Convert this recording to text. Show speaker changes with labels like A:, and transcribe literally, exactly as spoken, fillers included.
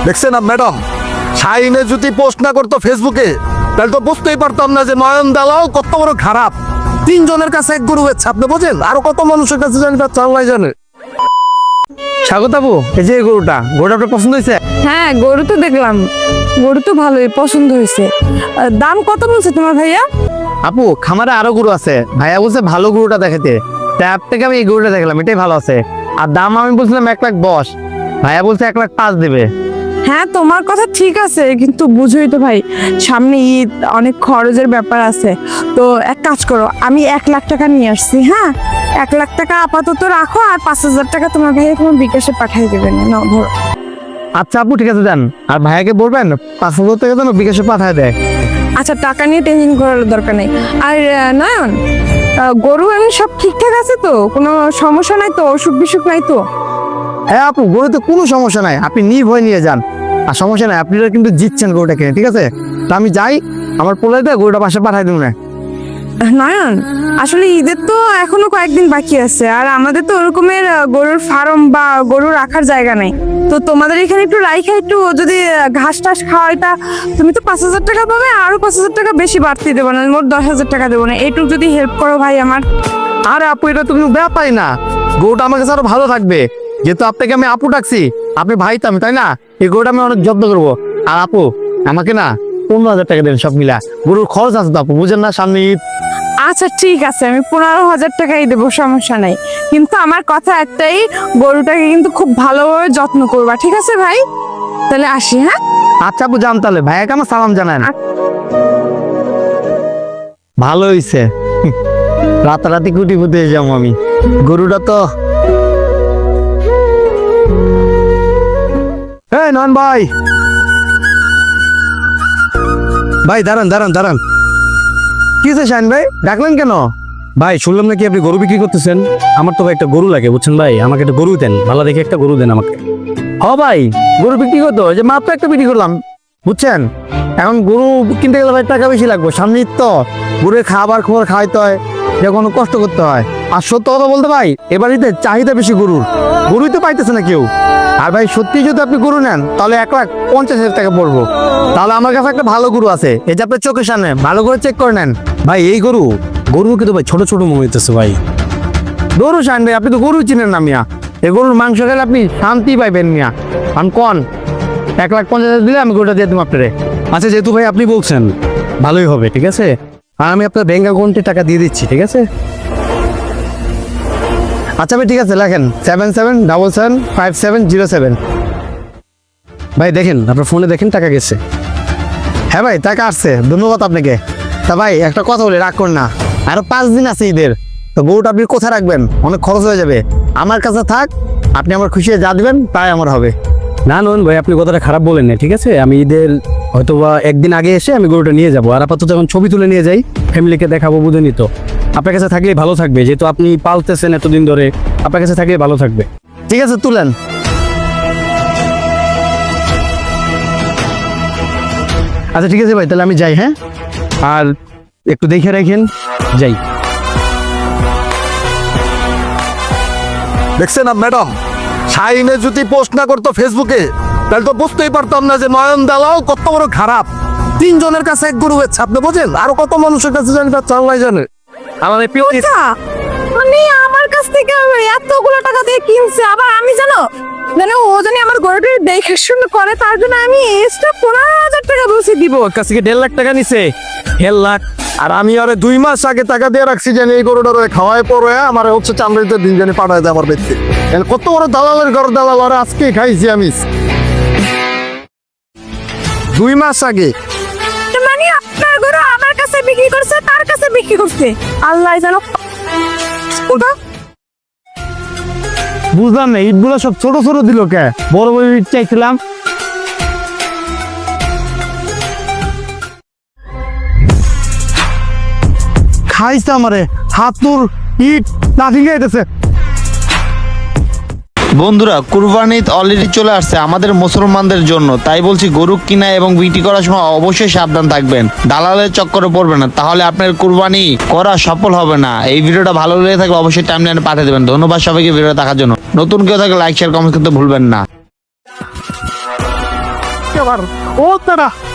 A: দেখছেন না ম্যাডাম, শাহিনে যদি পোস্ট না করতো ফেসবুকে তাহলে তো বুঝতেই পারতাম না যে নয়ন দালাল কত বড় খারাপ। তিনজনের কাছে এক গরু হচ্ছে, আপনি বোঝেন? আরো কত মানুষের কাছে জানি তার চাল্লাই জানে।
B: স্বাগত আপু, এই যে গরুটা গরুটা আপনার পছন্দ হয়েছে?
C: হ্যাঁ, গরু তো দেখলাম, গরু তো ভালোই পছন্দ হয়েছে। আহ, দাম কত বলছে তোমার ভাইয়া?
B: আপু খামারে আরো গরু আছে, ভাইয়া বলছে ভালো গরুটা দেখাতে, তাই আপ থেকে আমি এই গরুটা দেখলাম, এটাই ভালো আছে। আর দাম আমি বলছিলাম এক লাখ দশ, ভাইয়া বলছে এক লাখ পাঁচ দেবে।
C: হ্যাঁ, তোমার কথা ঠিক আছে, কিন্তু বুঝোই তো ভাই, সামনে ঈদ, অনেক খরচের ব্যাপার আছে। তো এক কাজ করো, আমি এক লাখ টাকা নিয়ে আসছি। হ্যাঁ, এক লাখ টাকা আপাতত রাখো, আর পাঁচ হাজার টাকা তোমার ভাইয়া তোমার বিকাশে পাঠিয়ে দেবেন। নাও ধরো।
B: আচ্ছা আপু ঠিক আছে যান, আর ভাইয়াকে বলবেন পাঁচ হাজার টাকা যেন বিকাশে পাঠায় দেয়।
C: আচ্ছা, টাকা নিয়ে টেনশন করার দরকার নেই। আর আহ, নয়ন, আহ, গরু এমনি সব ঠিকঠাক আছে তো? কোনো সমস্যা নাই তো? অসুখ বিসুখ নাই তো?
B: হ্যাঁ আপু, গরুতে কোনো সমস্যা নাই, আপনি নির্ভয় নিয়ে যান। আর সমস্যা নাই, আপনারা কিন্তু জিতছেন গরুটা কিনে, ঠিক আছে? তা আমি যাই, আমার পোলাইতে গরুটা পাশে পাঠাই দেবো না।
C: নয়ন, আসলে ঈদের তো এখনো কয়েকদিন বাকি আছে, আর আমাদের তো ওরকমের আহ, গরুর ফার্ম বা গরু রাখার জায়গা নেই। তো তোমাদের এখানে একটু রাইখা একটু যদি আহ, ঘাস টাস খাওয়াইতা, তুমি তো পাঁচ হাজার টাকা পাবে, আরো পাঁচ হাজার টাকা বেশি বাড়তি দেবো না, মোট দশ হাজার টাকা দেবো না, এইটুকু যদি হেল্প করো ভাই আমার।
B: আরে আপু এটা তো কিন্তু ব্যাপারই না, গরুটা আমার কাছে আরো ভালো থাকবে, যেহেতু আপনাকে আমি আপু ডাকছি, আপনি ভাই তো আমি, তাই না? এই গরুটা আমি অনেক যত্ন করবো। আর আপু আমাকে না পনেরো হাজার টাকা দেন সব মিলা, গরুর খরচ আছে তো আপু, বুঝেন না সামনে ঈদ।
C: আচ্ছা ঠিক আছে, আমি পনেরো হাজার টাকাই দেবো, সমস্যা নাই। কিন্তু আমার কথা একটাই, গরুটাকে কিন্তু খুব ভালোভাবে যত্ন করবা, ঠিক আছে ভাই? তাহলে আসি। হ্যাঁ,
B: আচ্ছা আপু যান তাহলে, ভাইয়াকে আমার সালাম জানান। ভালো হইছে, রাতারাতি কুটি ফুটে যাবো আমি। গরুটা তো
A: এই নয়ন ভাই, ভাই দাঁড়ান দাঁড়ান দাঁড়ান।
B: কি হয়েছে শাহিন ভাই, ডাকলেন কেন?
D: ভাই শুনলাম নাকি আপনি গরু বিক্রি করতেছেন। আমার তো ভাই একটা গরু লাগে, বুঝছেন ভাই, আমাকে একটা গরু দেন, ভালো দেখে একটা গরু দেন আমাকে।
B: হ ভাই, গরু বিক্রি করতো, যে মাত্র একটা বিক্রি করলাম, বুঝছেন? এখন গরু কিনতে গেলে ভাই টাকা বেশি লাগবে, সামনে ঈদ তো, গরুর খাবার খবর খাওয়াইতে হয়, যে কোনো কষ্ট করতে হয়। আর সত্য কথা বলতে ভাই, এবার ঈদে চাহিদা বেশি গরুর, গরুই তো পাইতেছে না কেউ। আর ভাই সত্যি যদি আপনি গরু নেন তাহলে এক লাখ পঞ্চাশ হাজার টাকা পড়বো। তাহলে আমার কাছে একটা ভালো গরু আছে, এই যে আপনার চোখের সামনে, ভালো করে চেক করে নেন।
D: ভাই এই গরু গরু কিন্তু ভাই ছোট ছোট মনে হইতেছে ভাই।
B: গরু শাহিন ভাই, আপনি তো গরু চিনেন না মিয়া, এই গরুর মাংস খেলে আপনি শান্তি পাইবেন মিয়া। আমি কন এক লাখ পঞ্চাশ হাজার দিলে আমি গরুটা দিয়ে দেবো আপনারে।
D: আচ্ছা যেহেতু ভাই আপনি বলছেন, ভালোই হবে, ঠিক আছে। আর আমি আপনার ব্যাংক অ্যাকাউন্টে টাকা দিয়ে দিচ্ছি, ঠিক আছে।
B: আচ্ছা ভাই ঠিক আছে, লেখেন seven seven double seven five seven zero seven.
D: ভাই দেখেন আপনার ফোনে দেখেন টাকা গেছে।
B: হ্যাঁ ভাই টাকা আসছে, ধন্যবাদ আপনাকে। তা ভাই একটা কথা বলি, রাগ করুন না, আরো পাঁচ দিন আছে ঈদের, তো গরুটা আপনি কোথায় রাখবেন? অনেক খরচ হয়ে যাবে, আমার কাছে থাক, আপনি আমার খুশি যা দিবেন তাই আমার হবে।
D: না নন ভাই, আপনি কথাটা খারাপ বলেন না, ঠিক আছে। আমি ঈদের হয়তো বা একদিন আগে এসে আমি গরুটা নিয়ে যাবো, আর আপাতত যখন ছবি তুলে নিয়ে যাই, ফ্যামিলিকে দেখাবো, বুঝে নিত। আপনার কাছে থাকলেই ভালো থাকবে, যেহেতু আপনি পালতেছেন এতদিন ধরে, আপনার কাছে থাকলেই ভালো থাকবে।
B: ঠিক আছে তুলেন।
D: আচ্ছা ঠিক আছে ভাই, তাহলে আমি যাই। হ্যাঁ, আর একটু দেখে রাখেন, যাই।
A: দেখছেন না ম্যাডাম, শাহিনে যদি পোস্ট না করতো ফেসবুকে তাহলে তো বুঝতেই পারতাম না যে নয়ন দালাল কত বড় খারাপ। তিনজনের কাছে এক গরু হচ্ছে, আপনি বোঝেন? আরো কত মানুষের কাছে জানি তার চাল্লাই জানে।
B: আমাদের প্রিয়
C: আচ্ছা, মানে আমার কাছ থেকে এতগুলো টাকা দিয়ে কিনছে, আবার আমি জানো জানো ও জানি আমার গরুটা দেখে শুনে করে, তার জন্য আমি এক্সট্রা পনেরো হাজার টাকা বসে দিব।
A: ওর কাছ থেকে দেড় লাখ টাকা নিছে, দেড় লাখ। আর আমি আরে দুই মাস আগে টাকা দিয়ে রাখছি জানি এই গরুটার খাওয়ায় পরে আমার হচ্ছে চামড়িতে দিন জানি পাঠায় দেয় আমার ব্যক্তি। কত বড় দালালের ঘর দালাল, আর আজকে খাইছি আমি দুই মাস আগে।
C: মানে আপনার গরু আমার কাছে বিক্রি করছে, তার কাছে বিক্রি করছে, আল্লাহ জানো। ওটা
B: বুঝলাম না, ইটগুলো সব ছোট ছোট দিল কে? বড় বড় ইট চাইছিলাম। খাইছে আমারে, হাত তোর ইট নাথিং খাইতেছে।
E: বন্ধুরা কুরবানি ঈদ অলরেডি চলে আসছে আমাদের মুসলমানদের জন্য, তাই বলছি গরু কিনা এবং বিক্রি করার সময় অবশ্যই সাবধান থাকবেন, দালালের চক্করে পড়বেন না, তাহলে আপনার কুরবানি করা সফল হবে না। এই ভিডিওটা ভালো লেগে থাকলে অবশ্যই টাইমলাইনে পাঠিয়ে দেবেন। ধন্যবাদ সবাইকে ভিডিও দেখার জন্য। নতুন কেউ থাকলে লাইক শেয়ার কমেন্ট করতে ভুলবেন না।
A: আজকে আবার ও তারা